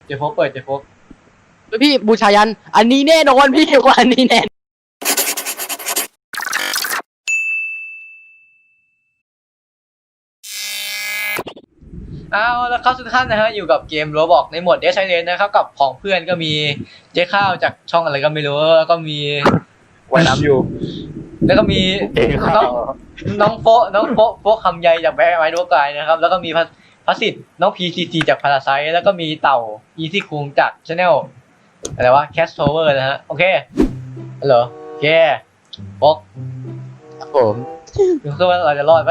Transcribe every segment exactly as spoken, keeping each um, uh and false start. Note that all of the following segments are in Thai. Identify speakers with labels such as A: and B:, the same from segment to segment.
A: เจโฟกเปิดเจโฟก
B: พี่บูชายันอันนี้แน่นอนพี่ว่าอันนี้แน่
A: เอาแล้วครับทุกท่านนะฮะอยู่กับเกม Roblox ในโหมด Dead Silence นะครับกับของเพื่อนก็มีเจ๊ข้าวจากช่องอะไรก็ไม่รู้แล้วก็มี
C: ว่ายน้ำอยู่
A: แล้วก็มี
C: เองครั
A: น้
C: บ
A: องน้องโฟน้องโฟโฟคำใยจากแบงค์ไม้ดวงกายนะครับแล้วก็มีพัสสิทธิ์น้อง พี ซี ซี จากพาราไซแล้วก็มีเต่า Easy คุงจาก Channel อะไรวะ Cast Tower นะฮะโอเคฮัลโหลโอเคโฟก
B: ครับผม
A: ดูซิว่าเราจะรอดไหม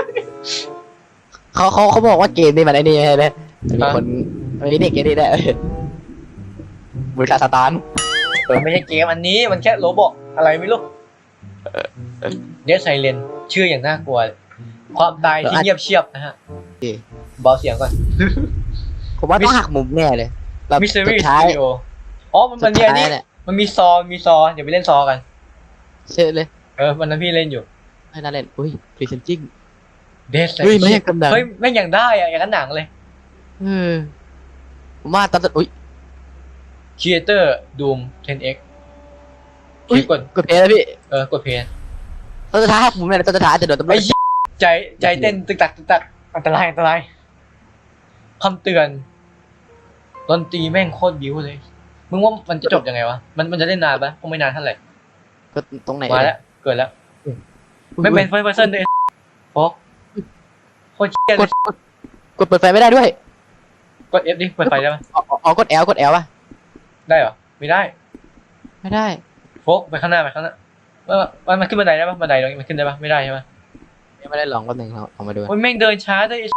B: เขาเขาเขาบอกว่าเกมนี้มันไอ้นี่ใช่ไหมมีคนมีเด็กเกมนี้ได้บูชาสตาร์
A: มันไม่ใช่เกมอันนี้มันแค่โรบอกอะไรไม่รู้เดซไซเลนชื่ออย่างน่ากลัว ความตายที่เงียบเชียบนะฮะเบาเสียงก่อน
B: ผมว่าต้องหักมุมแน่เลยแบบ
A: มิสซิ
B: สุ
A: รี่
B: ด
A: ส
B: ท้าย
A: ตูดิโออ๋อมันมันมีอันนี้
B: เนี่ย
A: มันมีซอมีซอเดี๋ยวไปเล่นซอกัน
B: เชื่อเลย
A: เออวันนั้นพี่เล่นอยู่
B: ให้น่าเล่นอุ้ยพรีเซนจิ้ง
A: เดซไซ
B: เฮ้ยไม่อยากกำลัง
A: เฮ้ยไม่อย่างได้อะอย่างนั้นหนังเลย
B: เออผมว่าตอนสุดอุ้ย
A: Creator Doom เท็น เอ็กซ์
B: อุ้ย
A: กด
B: กดเพลย์แล้วพี่
A: เออกดเพลย์
B: ตอนสุดท้ายหักมุมแน่เลยตอนสุดท้ายจะโดนตำรว
A: ไอ้
B: จ
A: เหี้ยใจใจเต้นตึกตักตึกตักอันตรายอันตรายคำเตือนดนตรีแม่งโคตรบิ้วเลยมึงว่ามันจะจบยังไงวะมันมันจะเล่นนานปะคงไม่นานเท่าไหร่
B: ก็ตรงไหน
A: มาแล้วเกิดแล้ว
B: อุ๊ย
A: ไม่เป็นเฟิร์สเพอร์เซนเลยโฟกโคตรเชี่ย
B: ก
A: เล
B: ด
A: ย
B: กดกดเปิดไฟไม่ได้ด้วย
A: กด F ดิเปิดไฟได้ปะ
B: อ๋ออ๋อกด L กด L ป่ะ
A: ได้เหรอไม่ได้
B: ไม่ได้
A: โฟกไปข้างหน้าไปข้างหน้าว่ามันมันขึ้นบันไดได้ปะบันไดตรงนี้มันขึ้นได้ปะไม่ได้ใช่ปะ
B: ยังไม่ได้ลองก็หนึ่งเราเอามาดู
A: โอ้ยแม่งเดินช้าด้วย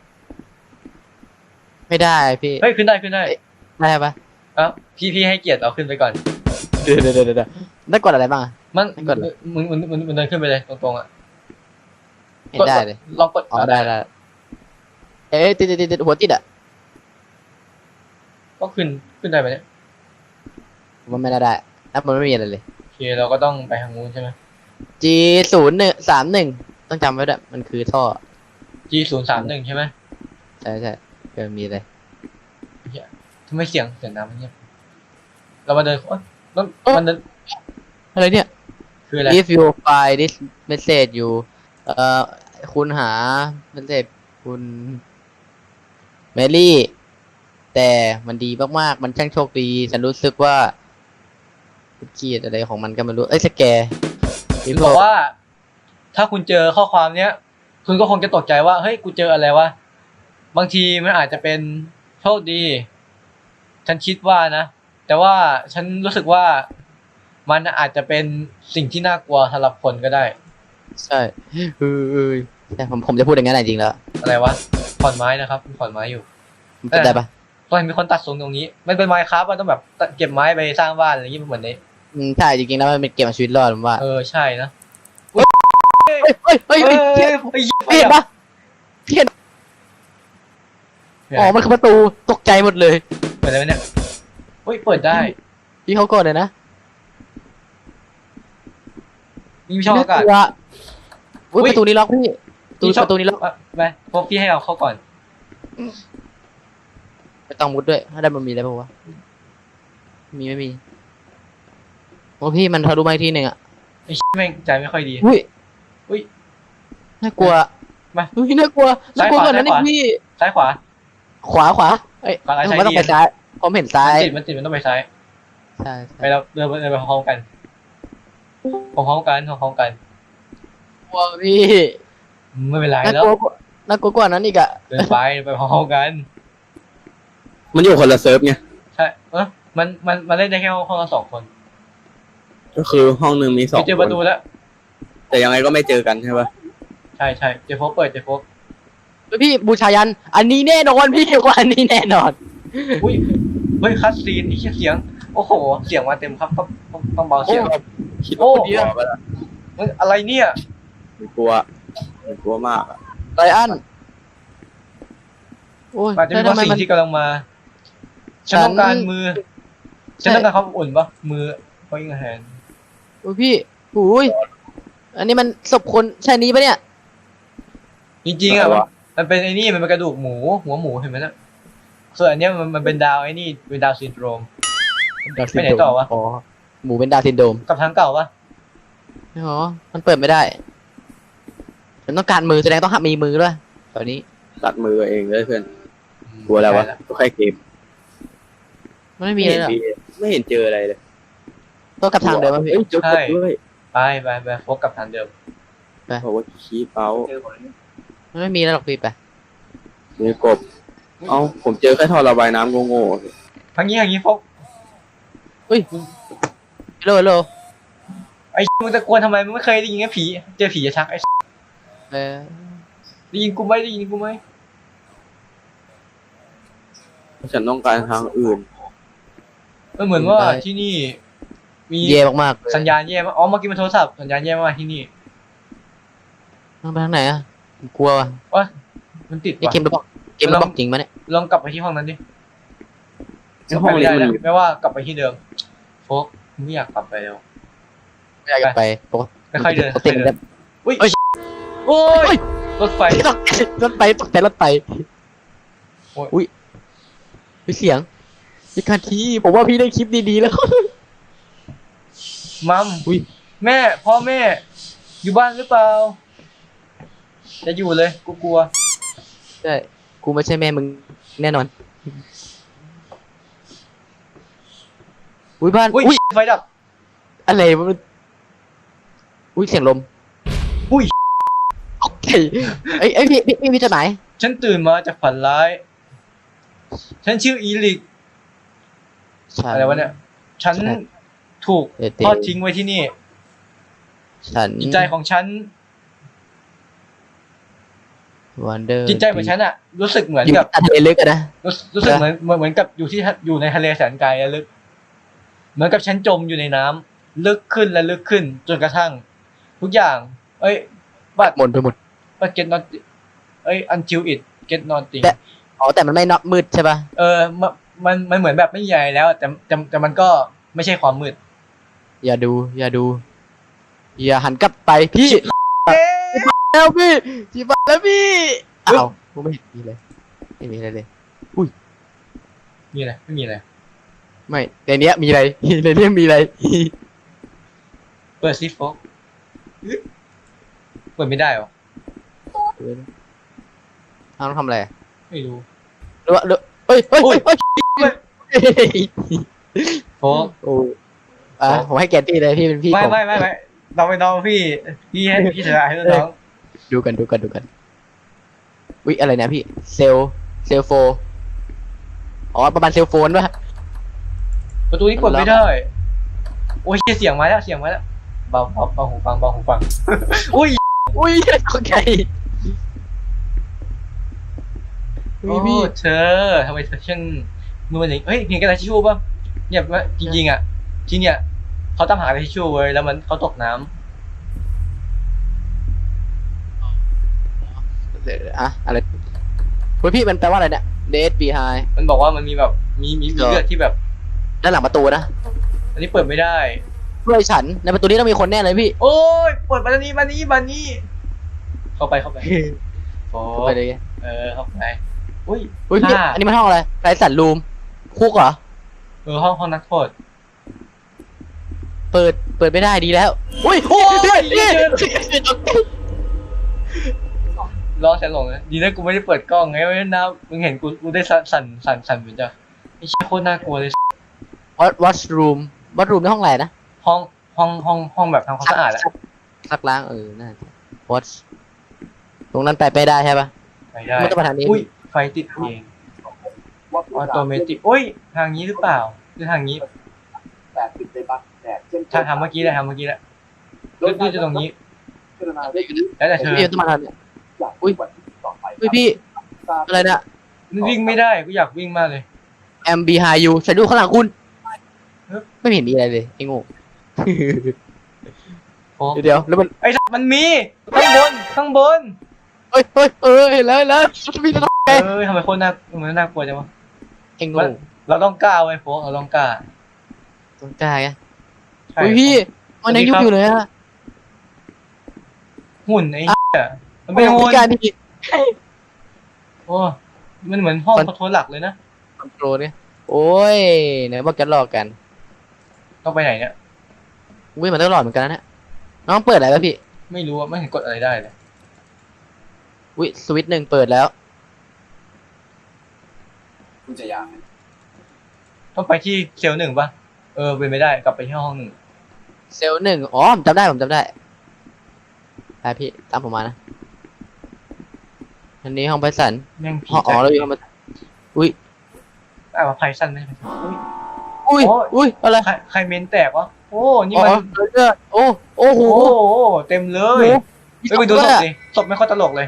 B: ไม่ได้พี่
A: เฮ้ยขึ้นได้ขึ้นได้
B: ได้ปะ
A: เอ้าพี่พี่ให้เกียรติเอาขึ้นไปก่อน
B: เดี๋ยวเดี๋ยวเดี๋ยวได้กดอะไรบ้างอะ
A: มัน
B: ไม่กดเหรอ
A: มึงมึงมึงมึงเดินขึ้นไปเลยตรงๆอ่ะ
B: ไม่ได้เลย
A: ลองกด
B: อ๋อได้ได้เอ๊ะติดติดติดหัวติดอ่ะ
A: ก็ขึ้นขึ้นได้ไหมเนี่ย
B: ผมว่าไม่ได้ได้แล้วมันไม่มีอะไรเลย
A: โอเคเราก็ต้องไปทางนู้นใช่ไหม
B: G ศูนย์หนึ่งสามหนึ่งต้องจำไว้ด้วยมันคือท่อ
A: G ศูนย์สามหนึ่งใช่ไหม
B: ใช่ใช่เกิดมีเลย
A: ทำไมเสียงเสียงน้ำมันเงียบเรามาเดินโอ๊ยมันมันเดิน
B: อะไรเนี่ย
A: คืออะไร
B: if you find this message you เอ่อคุณหา message คุณเมลี่แต่มันดีมากๆมันช่างโชคดีฉันรู้สึกว่าเกียดอะไรของมันก็ไม่รู้เอ้ยสแกร์
A: คือบอกว่า ถ้าคุณเจอข้อความเนี้ย คุณก็คงจะตกใจว่าเฮ้ยกูเจออะไรวะบางทีมันอาจจะเป็นโชคดี ฉันคิดว่านะแต่ว่าฉันรู้สึกว่ามันอาจจะเป็นสิ่งที่น่ากลัวสำหรับคนก็ได้
B: ใช่เออเออแต่ผมผมจะพูดอย่างนั้นจริงๆแล้ว
A: อะไรวะขอนไม้นะครับขอนไม้อยู่
B: มันเป็นได้ปะ
A: ตอนมีคนตัดสูงตรงนี้มันเป็นไม้ครับมันต้องแบบเก็บไม้ไปสร้างบ้านอะไรอย่างงี้เหมือนนี้
B: อืมใช่จริงๆแล้วมันเป็นเกมเอาชีวิตรอดผมว่า
A: เออใช่นะ
B: เฮ้ยเฮ้ยเฮ้ย
A: เฮ้ย
B: เฮ้ย
A: เฮ้ย
B: พี่เห็นปะพี่เห็นอ๋อมันคือประตูตกใจหมดเลย
A: เปิดได้ไหมเนี่ยเฮ้ยเปิดได้
B: พี่เขากดเลยนะ
A: มีช่องอากาศ
B: น่ลัวอุ๊ย
A: อุ๊ย
B: ประตูนี้ล็อกพี่ประตู
A: มีช่อง
B: ประตูนี้ล็อก
A: อ่ะไปพวกพี่ให้เอาเข้าก่อน
B: ไม่ต้องมุดด้วยถ้าได้มันมีอะไรบ้างวะมีไม่มีโอ้พี่มันทะลุมาอีกทีหนึ่งอ่ะ
A: ไอ้แม่งใจไม่ค่อยดี
B: อุ้ย
A: อุ๊ย
B: น่ากลัว
A: มา
B: อุ้ยน่ากลัวน่ากลัว
A: ซ้ายขวา
B: ก่อนนั้นอี
A: ซ้ายขวา
B: กพี่
A: ซ้ายขวา
B: ขวาขวาเอ้ย
A: ขวาซ้าย
B: ผมว่าต้อง
A: ซ้ายดี
B: ไปซ้ายผมเห็นซ้า
A: มัน
B: ย
A: ติดมันติดมันต้องไปซ้าย
B: ใช่
A: ไปแล้วเดินไปเดินไปพร้อมกันพร้อมกันพร้อมกัน
B: กลัวพี่
A: ไม่เป็นไร
B: น่า
A: แล้ว
B: กลัวกว่าน่ากลัวกว่านั้นอีกอะ
A: เดินไปไปพร้อมกัน
C: มันอยู่คนละเซิร์ฟไง
A: ใช่เออมันมันมันเล่นได้แค่ห้องละสองคน
C: ก็คือห้องหนึ่งมีสอง
A: ไปเจอ
C: ค
A: ประ
C: น
A: ตูแล้ว
C: แต่ยังไงก็ไม่เจอกันใช่ปะ
A: ใช่ใช่เจฟโฟกเปิดเจฟโฟก
B: พี่บูชายัน อันนี้แน่นอนพี่ว่าอันนี้แน่นอน
A: อุ้ยเฮ้ยคัสซีนไอ้เหี้ยเสียงโอ้โหเสียงมาเต็มครับต้องต้องต้องเบาเสียง
C: คิด
A: โอ้
C: ว่าคนเดียวไปละ
A: เฮ้ยอะไรเนี่ย
C: กลัวกลัวมากอะ
B: ไรอันโอ้ย
A: อาจจะมีบางสิ่งที่กำลังมาฉันต้องการมือฉันต้องการความอุ่นปะมือเขายิงแฮน
B: โอ้ยพี่หูยอันนี้มันศพคนใช่นี้ปะเนี่ย
A: จริงๆอ่ะมันมันเป็นไอ้นี่มันเป็นกระดูกหมูหัวหมูเห็นไหมนะส่วนอันเนี้ยมันมันเป็นดาวไอ้นี่เป็นดาวซินโดรม
B: ดาวซิน
A: ไปไหน
B: โดรม
A: ต่อวะ
B: อ๋อหมูเป็นดาวซินโดรม
A: กับทางเก่าปะ
B: อ๋อมันเปิดไม่ได้ฉันต้องการมือแสดงต้องหักมีมือด้วยตอนนี้
C: ตัดมือเองเลยเพื่อนกลัวแล้ววะก็แค่เกม
B: มันไม่มีเลยเหรอ
C: ไม่เห็นไม่เห็นเจออะไรเลย
B: ต้องกลับทางเดิมป่ะพี่
C: เอ้ยเจอกดด้วย
A: ไปไปไปโฟกกับทางเดิม
C: บอกว่าคีเป้า
B: มันไม่มีแล้วหรอกพี่ไป
C: มีกบเอ้าผมเจอแค่ท่อระบายน้ำโง่ๆ
A: ทางนี้ทางนี้โฟก
B: ฮัลโหลฮัลโหล
A: ไอ้มึงตะโกนทำไมมึงไม่เคยได้ยินแค่ผีเจอผีจะชักไอ้
B: เออ
A: ได้ยินกูไหมได้ยินกูไหม
C: ฉันต้องการทางอื่น
A: มันเหมือนว่าที่นี่ มี
B: เย่มากๆเลย
A: สัญญาณแย่มากอ๋อเมื่อกี้มันโทรศัพท์สัญญาณแย่มากที่นี่
B: ต้องไปทางไหนอ่ะผมกลัวว่ะ
A: ว่ามันติด
B: นี่
A: ว่ะ
B: เกมระบอกเกมระบอกจริงปะเนี่ย
A: ลองกลับไปที่ห้องนั้นดิ
C: ในห้อง
A: ไม่
C: นี้
A: ได้
C: มัน
A: นะไม่ว่ากลับไปที่เดิมโฟกไม่อยากกลับไปแล้ว
B: ไม่อยากจะไปปกติ
A: ไม่ค่อยเดิน
B: ปกติมันจะ
A: อุ้ย
B: เอ้ย
A: โอ้ยรถไฟ
B: ตกรถไปตกใจรถไป
A: โอ้ย
B: อุ้ยมีเสียงพี่คาทีผมว่าพี่ได้คลิปดีๆแล้ว
A: มัม
B: อุ้ย
A: แม่พ่อแม่ อยู่บ้านหรือเปล่า จะอยู่เลยกูกลัว
B: ใช่กูไม่ใช่แม่มึงแน่นอนอุ้ยบ้าน
A: อุ้ย
B: อุ้ย
A: ไฟดับ
B: อะไรวะมันอุ้ยเสียงลม
A: อุ้ย
B: โอเคเอ้ยเอ้ยพี่พี่พี่มีจดหมาย
A: ฉันตื่นมาจากฝันร้าย ฉันชื่ออีลิก
B: ฉัน
A: อะไรวะเนี่ย ฉัน
B: ใช่
A: ถูก
B: เดี๋ยว
A: ทอดทิ้งไว้ที่นี่
B: ฉัน
A: จิตใจของฉัน
B: วันเดอร์
A: จิตใจของฉันอะรู้สึกเหมือน
B: อยู่
A: กับ
B: ทะเลลึกอะนะ
A: รู้รู้สึกเหมือนเหมือนเหมือนกับอยู่ที่อยู่ในทะเลแสนไกลและลึก เหมือนกับฉันจมอยู่ในน้ำลึกขึ้นและลึกขึ้น จนกระทั่ง ทุกอย่าง เอ้ยบัด
B: หมดไปหมด
A: บัด get not เอ้ย until it get nothing
B: แต่ อ๋อแต่มันไม่นอกมืดใช่ป่ะ
A: เออมันมันมันเหมือนแบบไม่ใหญ่แล้วแต่แต่แต่มันก็ไม่ใช่ความมืด
B: อย่าดู อย่าดู อย่าหันกลับไปพี่แล้วพี่จีบแล้วพี่อ้าวกูไม่เห็นมีเลยไม่มีอะไรเลย
A: มีอะไรไม่มีอะไร
B: ไม่ในเนี้ยมีอะไร ในเนี้ยมีอะไร
A: เปิดซิโฟกเปิดไม่ได้หรอ
B: ทางต้องทำอะไร
A: ไม่รู้
B: หรือว่าหรือเฮ้ยเฮ้ย
A: อุ้ย
B: เฮ้ยเฮ้ย
A: โฟก
B: โอ้อ่ะผมให้แกนพี่เลยพี่เป็นพี่
A: ไม่
B: ผม
A: ไม่ไม่ไม่เราไปน้องพี่พี่ให้พี่ชายให้น้อง
B: ดูกันดูกันดูกันวิอะไรนะพี่เซลเซลโฟอ๋อประมาณเซลโฟนป่ะ
A: ประตูนี้กดไม่ได้ โอ้ยเสียงมาแล้วเสียงมาแล้วเบาเบาเบาหูฟังเบาหูฟัง อุ้ย
B: อุ้ยโอเค
A: โอ้
B: พี่
A: เธอทำไมเธอช่างมือมันอย่างเฮ้ยเห็นกระดาษทิชชู่ป่ะเนี่ยว่าจริงๆอ่ะที่เนี่ยเขาตามหากระดาษทิชชู่เว้ยแล้วมันเขาตกน้ำ
B: อะอะไรเฮ้ยพี่มันแปลว่าอะไรเนี่ย Dead Behind
A: มันบอกว่ามันมีแบบมีมีมีเลือดที่แบบ
B: ด้านหลังประตูนะ
A: อันนี้เปิดไม่ได้
B: ด้วยฉันในประตูนี้ต้องมีคนแน่เลยพี่
A: โอ้ยเปิดมานี้มานี้มานี้เข้าไปเข้าไปโอ้
B: ไปเลย
A: เออเข้าไปอุ้ย
B: เฮ้ยพี่
A: ห้า
B: อันนี้มันห้องอะไรไรสันรูมคุกเหรอ
A: เออห้องห้องนักโทษ
B: เปิดเปิดไม่ได้ดีแล้วอุ้ย
A: โอ้ย
B: พี่
A: เหี้
B: พี่
A: ย ล้อแสนหลงเลยดีนะกูไม่ได้เปิดกล้องไงไม่งั้นนะมึงเห็นกูกูได้สั่นสั่นสั่นสั่นเหมือนจะไอ้เชี่ยโคตรน่ากลัวเลย
B: วัดวัดรูมวัดรูมในห้องอะไรนะ
A: ห้องห้องห้องห้องแบบทำความสะอาดอะ
B: ซักล้างเออน่าจะวัดตรงนั้นไปไปได้ใช่ปะ
A: ไปได้
B: ไม่ต้องมาทางนี้
A: อุ้ยไฟติดเองออโตเมติกอุ้ยทางนี้หรือเปล่าหรือทางนี้
D: แต่ติดในบัตรแดดเช่น
A: ถ้าทำเมื่อกี้แหละทำเมื่อกี้แหละหรือจะตรงนี้
D: พิจารณาได้อยู่
A: แล้วแต่เธอ
B: พี่ต้องมาทางนี้
D: อย่าง
B: อุ๊ย
D: วันที่ต่อไป
B: เฮ้ยพี่อะไรนะ
A: มันวิ่งไม่ได้กูอยากวิ่งมากเลย
B: M behind you ฉันดูข้างหลังคุณ
A: เอ๊ะ
B: ไม่เห็นมีอะไรเลยไอ้โง่
A: โอ้
B: เดี๋ยวแล้วมัน
A: ไอ้สัตว์มันมีข้างบนข้างบน
B: เฮ้ยเฮ้ยเออเห็นแล้วเห็นแล้วมีอะไร
A: เออทำไมโคตรน่ามันน่ากลัวจังวะ
B: ไอ้โง่
A: เราต้องกล้าไว้โฟกเราต้องกล้า
B: ต้องกล้าไง
A: ใช่
B: เฮ้ยพี่มันยังยุบอยู่เลยอะ
A: หุ่นไอ้เหี้ยมันเป็นหุ่น
B: การพี่
A: โอ้มันเหมือนห้องคอนโทรลหลักเลยนะ
B: อนโทรเนี่ยโอ้ยไหนบอกจะหลอกกัน
A: ต้องไปไหนเนี่ย
B: อุ้ยมันต้องหลอดเหมือนกันนะเนี่ยน้องเปิดอะไรป่ะพี่
A: ไม่รู้ว่าไม่เห็นกดอะไรได้เลย
B: อุ้ยสวิตช์หนึ่งเปิดแล้ว
D: คุณจะอยาก
A: ต้องไปที่เซลล์หนึ่งปะเออเป็นไม่ได้กลับไปที่ห้องหนึ่ง
B: เซลล์หนึ่งอ๋อผมจำได้ผมจำได้ไปพี่ตามผมมานะอันนี้ห้องไพสัน
A: แม่งผี
B: อ๋ออ๋อเราอยู่ห้องไพสันอุ้ย
A: อ่าไพซันได้ไหมอุ้ย
B: อุ้ย
A: โอ้ย
B: อุ้ยอะไร
A: ใครใครเมนแตกวะโอ้นี่
B: อ๋อ
A: มัน
B: เลือดโอ้โอ้โห
A: โอ้โหเต็มเลย
B: มี
A: เฮ้ยไปดู
B: ศ
A: ศ
B: พ
A: พ
B: ด้วย
A: ดิศพไม่ค่อยตลกเลย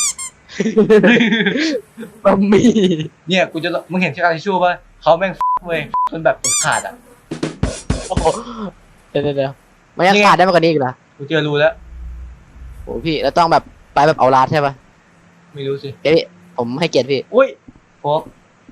B: บะหมี่
A: เนี่ยกูจะมึงเห็นที่การทิชชู่ป่ะเขาแม่งเว้ยจนแบบขาดอ่ะ
B: โอ้โหเดี๋ยวเดี๋ยวเดี๋ยวมันยัง
A: นี่ไง
B: ขาดได้มากกว่านี้อีกเหรอ
A: กูเจอรู้แล้ว
B: โอ้พี่แล้วต้องแบบไปแบบเอาลาดใช่ปะ
A: ไม่รู้สิ
B: เดี๋ยวพี่ผมให้เกียรติพี่
A: อุ้ยโฟก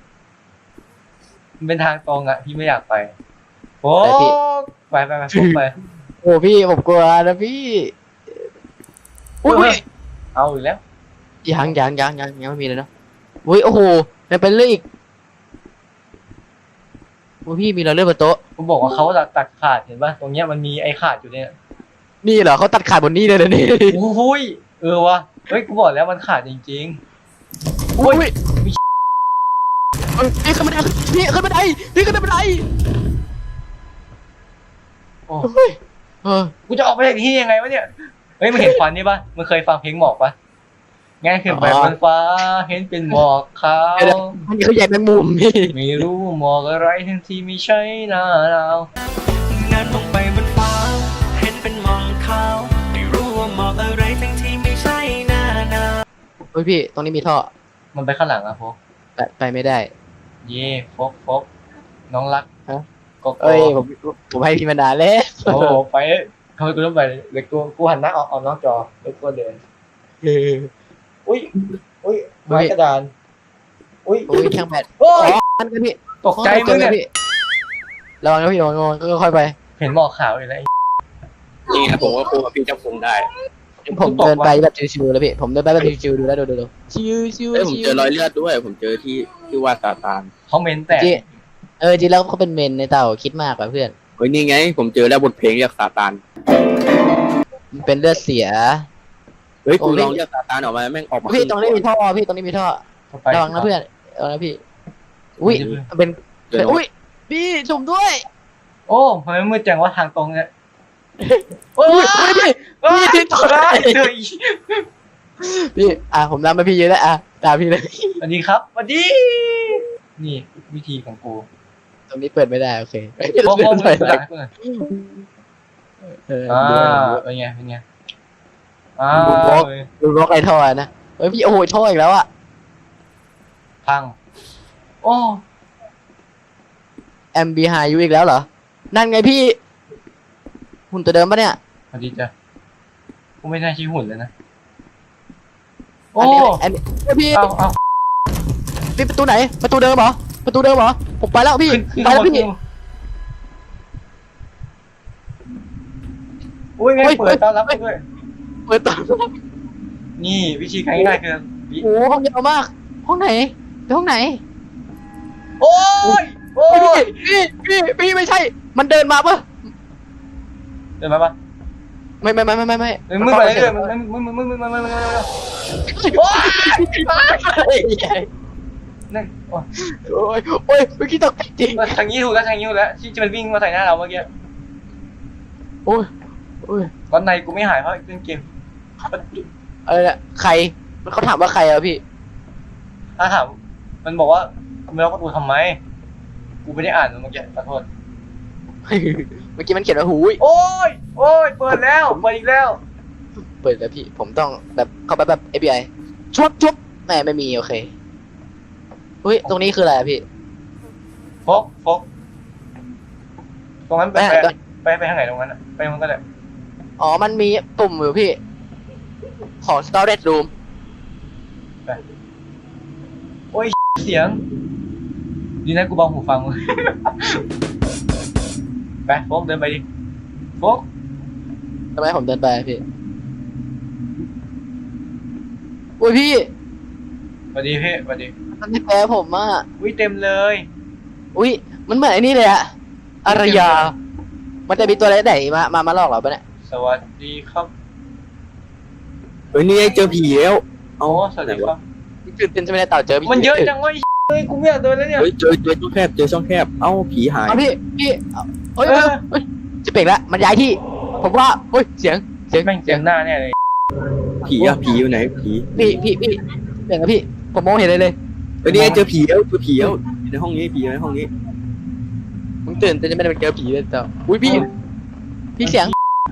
A: มันเป็นทางตรงอ่ะพี่ไม่อยากไปโฟกไปไปไปโฟกไป
B: โอ้พี่ผมกลัวนะพี่อุ้ยอุ้ย
A: เอาอีกแล้ว
B: ยังยังยังยังยังไม่มีเลยเนาะอุ้ยโอ้โหมันเป็นเรื่องอีกโอ้พี่มีเราเลือดบนโต๊ะ
A: กูบอกว่าเขาตัดตัดขาดเห็นป่ะตรงเนี้ยมันมีไอ้ขาดอยู่เนี่ย
B: นี่เหรอเขาตัดขาดบนนี้เลยนะนี่
A: โอ้ยเออวะเฮ้ยกูบอกแล้วมันขาดจริง
B: อุ้ยเอ้ยพี่ขึ้นบันไดพี่ขึ้นบันไดพี่ขึ้นบันได
A: ๆโอ้
B: เฮ้ยเออ
A: กูจะออกไปจากที่นี่ยังไงวะเนี่ยเฮ้ยมึงเห็นควันนี่ป่ะมึงเคยฟังเพลงหมอกป่ะง่ายขึ้นไปบนฟ้าเห็นเป็นหมอกขาว
B: มันเขาใหญ่แมงมุมพี่
A: ไม่รู้หมอกอะไรทั้งที่ไม่ใช่หน้าหนาว
E: นั้นลงไปบนฟ้า เห็นเป็นหมอกขาวไม่รู้ว่าหมอกอะไรทั้งที่ไม่ใช่หน้าหนาว
B: เฮ้ยพี่ตรงนี้มีท่อ
A: มันไปข้างหลังอะโฟก
B: ไปไปไม่ได้
A: เย่โฟกโฟกน้องรัก
B: ฮะ
A: โก็
B: เอ้ยผมผมให้พี่มานานแล้ว
A: โอ้โหไปทำไมกูต้องไปเด็กกูกูหันหน้าออกออกนอกจอเด็กกูเดิน
B: เออ
A: อุ้ยอุ้ยไม้กระดาน อุ้ย
B: โอ้ยช่างแบต
A: โอ้
B: อ๋
A: ย
B: ออันกันพี่
A: ตกใจมึงเนี่ย
B: พี่ระวังนะพี่ระวังระวังค่อยๆไป
A: เห็นหมอกขาวอยู่แล้ว
C: นี่ไงผมก็คู่กับพี่เจ้าคุงได้
B: ผมเดินไปแบบชิวๆแล้วพี่ผมเดินไปแบบชิวๆดูแล้วดูดูดูชิวชิว
C: เอ้ยผมเจอรอยเลือดด้วย ผมเจอที่ที่ว่าซาตาน
A: เขาเมนแตก
B: จีเออจริงแล้วเขาเป็นเมนในเต่าคิดมากกว่าเพื่อน
C: เฮ้ยนี่ไง ผมเจอแล้วบทเพลงเรียกซาตาน
B: มันเป็นเลือดเสีย
C: เฮ้ย
B: โอ้
C: กู
B: ย
C: ลองเรียกซาตานออกมาแม่งออกมา
B: พี่ตรงนี้มีท่อพี่ตรงนี้มีท่อ
A: เข้าไประ
B: วังนะเพื่อนระวังนะพี่อุ้ยมันเป็น
C: เดี๋ยว
B: อุ้ยพี่ชมด้วย
A: โอ้ทำไมมืดจังว่าทางตรงเนี่ยโอ้
B: อุ้
A: ย
B: ยอุ้ยพี่
A: เอ้ย
B: พี่ตกใจ
A: เฮ้ย
B: พี่อ่ะผมนำไปพี่เยอะแล้วอ่ะตามพี่เลย
A: สวัสดีครับสวัสดี นี่วิธีของกู
B: ตรงนี้เปิดไม่ได้โอเค
A: โอ้โห
B: เดิน
A: มึง
B: ไป
A: หลังให้กูหน่อย
B: เออ
A: อ่า
B: ดู
A: เป็นไงเป็นไงอ่า
B: ดูบล็อกไอ้ท่อนะเฮ้ยพี่โอ้โหท่ออีกแล้วอ่ะ
A: พัง โอ้
B: แอมบีไฮยูอีกแล้วเหรอนั่นไงพี่หุ่นตัวเดิมปะเนี่ย
A: สวัสดีจ้ะกูไม่น่าชี้หุ่นเลยนะ โอ้
B: อันนี้อันนี้เฮ้ยพี่
A: เอาเอา
B: พี่ประตูไหน ประตูเดิมเหรอ ประตูเดิมเหรอ ผมไปแล้วพี่
A: ขึ้นขึ้น
B: ไป
A: ข้างบ
B: แล้ว
A: น
B: พี่
A: อุ้ยไม่
B: เฮ้ย
A: เปิดต้อนรับ
B: เฮ้ย
A: ด้วย
B: เปิดต่อ
A: นี่วิธีการง่ายๆคือวิ
B: โอ้โหห้องยาวมาก ห้องไหนไปห้องไหน
A: โอ้ยโอ้
B: เฮ้ย
A: ย
B: พี่พี่พี่พี่ไม่ใช่ มันเดินมาปะ
A: เดินมาปะ
B: ไม่ไม่ไม่ไม่ไม่ไม่
A: เดินมือไปเรื่อยๆมันมันมันมันมันมันมันมันมันโอ้ยนั่นโอ้ย
B: โอ้ยโอ้ยเมื่อกี้ตกใจจริง
A: ทางนี้ถูกแล้วทางนี้ถูกแล้วที่จะมันวิ่งมาใส่หน้าเราเมื่อกี้
B: โอ้ยโอ้ย
A: ตอนในกูไม่หายเพราะเล่นเกม
B: อะไรเนี่ยใครเขาถามว่าใครอะพี่
A: ถ้าถามมันบอกว่ามึงล็อกประตูทำไมกูไม่ได้อ่านมันเมื่อกี้ขอโทษ
B: เมื่อกี้มันเขียนว่าหูย
A: โอ้ยโอ้ยเปิดแล้วเปิดอีกแล้ว
B: เปิดแล้วพี่ ผมต้องแบบเข้าไปแบบ เอฟ บี ไอ ชุบชุบแหมไม่มีโอเคเฮ้ยตรงนี้คืออะไรอะพี่
A: โฟกโฟกตรงนั้นไป
B: ไป
A: ไป
B: หาก่อน
A: ไปไปทางไหนตรงนั้นอะไปมันก็ได้
B: อ๋อ มันมีปุ่มอยู่พี่ ของ storage room
A: โอ้ยเสียงดีนะกูเบาหูฟังมึง ไปโฟกเดินไปดิโฟก
B: ทำไมผมเดินไปอะพี่อุ้ยพี่
A: สวัสดีพี่สวัสดี
B: มันไม่แพ้ผมอ่ะ
A: อุ้ยเต็มเลย
B: อุ้ยมันเหมือนไอ้นี่เลยอะอารยา มันจะมีตัวอะไรไหนมามามาหลอกเราปะเนี่ย
A: สวัสดีครับ
C: เฮ้ยนี่ไงเจอผีแล้ว
A: โอ้สวัสดีครับ
B: ตื่นเต้นใช่ไหมเนี่ยเต่าเจอพี่
A: มันเยอะจังวะเฮ้ยกูไม่อยากโดนแล้วเนี่ย
C: เฮ้ยเจอเจอช่องแคบเจอช่องแคบเอ้าผีหาย
B: เอาพี่พี่เอาเฮ้ย
A: เออ
B: เฮ้ยจะเปล่งละมันย้ายที่ ผมว่าเฮ้ยเสียงเสียง
A: แม่งเสียงหน้าแน่เลย
C: ผีอะผีอยู่ไหนผี
B: พี่พี่พี่เปล่งละพี่ ผมมองเห็นเลยเลย
C: เฮ้ยนี่ไงเจอผีแล้วเจอผีแล้วอยู่ในห้องนี้ผีอยู่ในห้องนี้
B: มึงตื่นเต้นจะไม่ได้เป็นเจอผีเลยเต่าอุ้ยพี่ พี่เสียง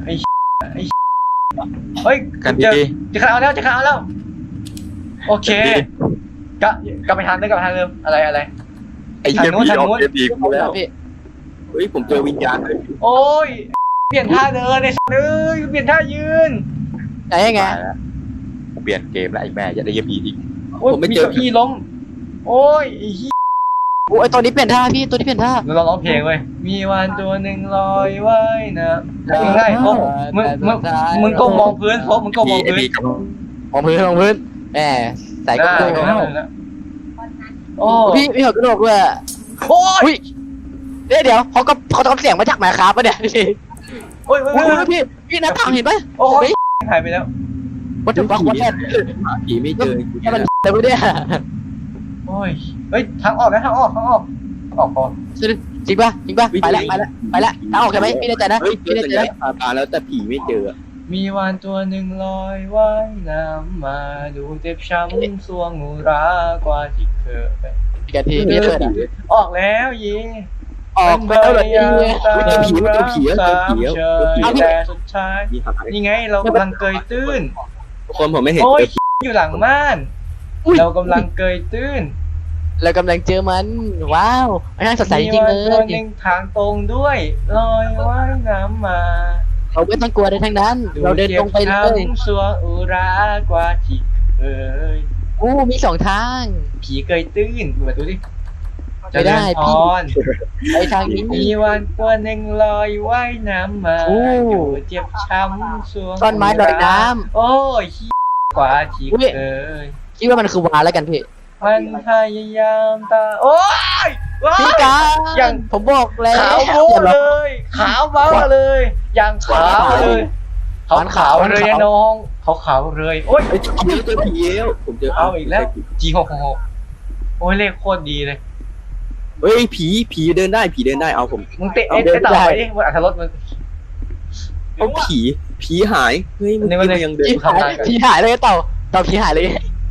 A: เฮ้ย
F: กัน
A: เจอ
F: ดี
A: จะขาเอาแล้วจะขาเอาแล้ว โอเคกลับกลับไปทางเดิมกลับไปทางเดิมอะไรอะไร
F: ไอ้เหี้ย
A: ทางนู้น
F: ผี
A: ทาง
F: ออก
A: นู้น
F: เกมอีก
B: ผมแล้วพี่
C: เฮ้ยผมเจอวิญญาณเลย
A: โอ้ยเปลี่ยนท่าเดินเลยเอ้ยเปลี่ยนท่ายืน
B: ไหนยังไง
F: ตายแล้วกูเปลี่ยนเกมแล้วไอ้แม่อย่าได้เหี้ยผีอีก
A: โอ้ยมีเก้าอี้ล้มโอ้ยไอ้เหี้ย
B: โอ้ยตัวนี้เปลี่ยนท่าพี่ตัวนี้เปลี่ยนท่า
A: เราร้องเพลงเว้ยมีวันตัวหนึ่งลอยว่ายน้ำง่ายๆโอ้มึงมึงมึงก็มองพื้นโอ้มึงก็มอง
F: ไอ้
A: พื้น
F: ผีกับ
B: มองพื้นมองพื้นแหมใส่กระ
A: ได้
B: โปรง
A: ได้ได้โอ้
B: พี่พี่หัวกระโหลกด้วยอะ
A: โอ้ย
B: อุ้ยเดี๋ยวเดี๋ยวเขาก็เขาทำเสียงมาจากแมคคาปะเนี่ยพี่
A: โอ้ยโอ้ย
B: อุ้
A: โอ้
B: ย
A: ย
B: พี่พี่หน้าต่างเห็นปะ
A: โอ้ยหายไปแล้ว
B: วัตถุบักวัตถุ
C: หาผีไม่เจอ
B: นี่มันแต่ไม่ได้
A: โอ้ยเฮ้ยทางออกนะทางออกทางออกออกพอ
B: จริงปะจริงปะไปละไปละไปละทางออกใช่ไหมพี่แน่ใจนะ
C: เฮ้ยเจ
B: พี่
C: อ
B: แน่
C: สั
B: ใจ
C: ญลั
B: นะ
C: กษณ์ตาตาแล้วแต่ผีไม่เจอ
A: มีวานตัวหนึ่งลอยว่ายน้ำมาดูเจ็บช้ำสวงหูรากว่าที่เคยเป็น
B: พี่กันทีพี่เปิดอะ
A: ออกแล้วเย่
B: ออกไปแล้วเหรอ
A: พยายาม
B: เนี่ย
A: ตาม
C: เจอผีเจอผีเจอผี
A: เฉ
C: เจอผี
A: ยแต่สุดท้าย
C: ผีหาย
A: นี่ไงเรากำลังเกยตื้น
C: ทุกคนผมไม่เห็น
A: โอ้ย
C: เจอผี
A: อยู่หลังม่าน
B: อุ้ย
A: เรากำลังเกยตื้น
B: เรากำลังเจอมันว้าวมันน่าสดใสจริงๆเล
A: มีวานตัวย หนึ่งทางตรงด้วยลอยว่ายน้ำมา
B: เราไม่ต้องกลัวเลยทั้งนั้น เราเดินตรงไปเลย
A: จ็บช้ำสวงอุรากว่าที่เคย
B: อู้มีสองทาง
A: ผีเกยตื้นดูมาดูดิ
B: ไม่ได้
A: เจริญพ
B: พี่
A: ร
B: ไปทางนี้
A: มีวันตัวหนึ่งลอยว่ายน้ำมา
B: โอ้
A: อยู่เจ็บช้ำสวง
B: ต้นไม้ลอยน้
A: โอ้ยขี้กว่าที่
B: อุ๊ย
A: เคย
B: คิดว่ามันคือวาแล้วกันพี่
A: มันพยายามตาโอ้ยว้า
B: พี่
A: ย
B: กา
A: อย่าง
B: ผมบอกแล้ว
A: ขาวโบ้เลย ขาวบ้าเลยอย่างขาวเลยขาวขาวเลยนะน้องขาวขาวเลยโอ้ย
C: เฮ้ยเจอผีเจอผีแล้วผมเจอ
A: เอาอีกแล้ว จีหกหกโอ้ยเลขโคตรดีเลย
C: เฮ้ยผีผีเดินได้ผีเดินได้เอาผม
A: มึงเตะไอ้ไอ้เต่าไปดิมันอัธรสมัน
C: เอาผีผีหายเฮ้ยมัน
A: นี่มันเลย
C: ยังเดิน
B: พี่หายพี่หายเลยเต่าเต่าพี่หายเลย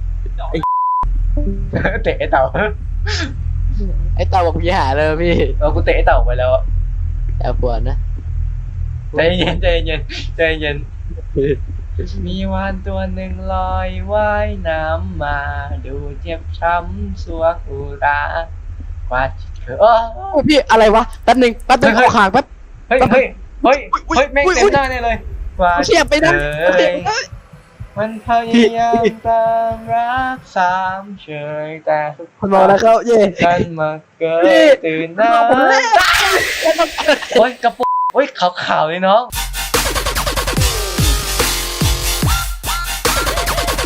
A: เตะไอ้เต่า
B: ไอ้เต่าบอกพี่หายเลยพี่
A: เออกูเตะไอ้เต่าไปแล้วอะ
B: แต่ปวดนะ
A: ใจเย็นใจเย็นใจเย็นมีวานตัวหนึ่งลอยว่ายน้ำมาดูเจ็บช้ำสวงอุรากว่าที่เคยเออ
B: โอ้พี่อะไรวะแป๊บนึงแป๊บนึง
A: เฮ้
B: ข
A: ย
B: อห่างแป๊บ
A: เฮ้ยเฮ้ยเฮ้ยเฮ้ยแม่ง
B: อุ๊ย
A: เต็
B: อุ๊
A: ม
B: ย
A: หน้าเนี่ยเลยว่า
B: เสียบไปนะ
A: เอ้ยมันพยายามตามรักสามเฉยแต่สุด
B: คนมองแล้วเขาเย่
A: กันมาเกิ
B: พี่
A: ดตื่นหน้าโอ้ยกระปุกโอ้ยขาวๆเลยน้อง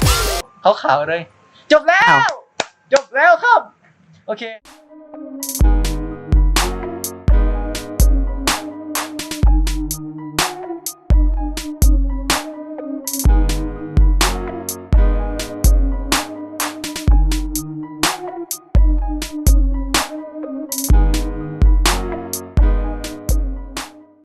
A: ขาวๆเลย จบแล้ว จบแล้วครับ โอเค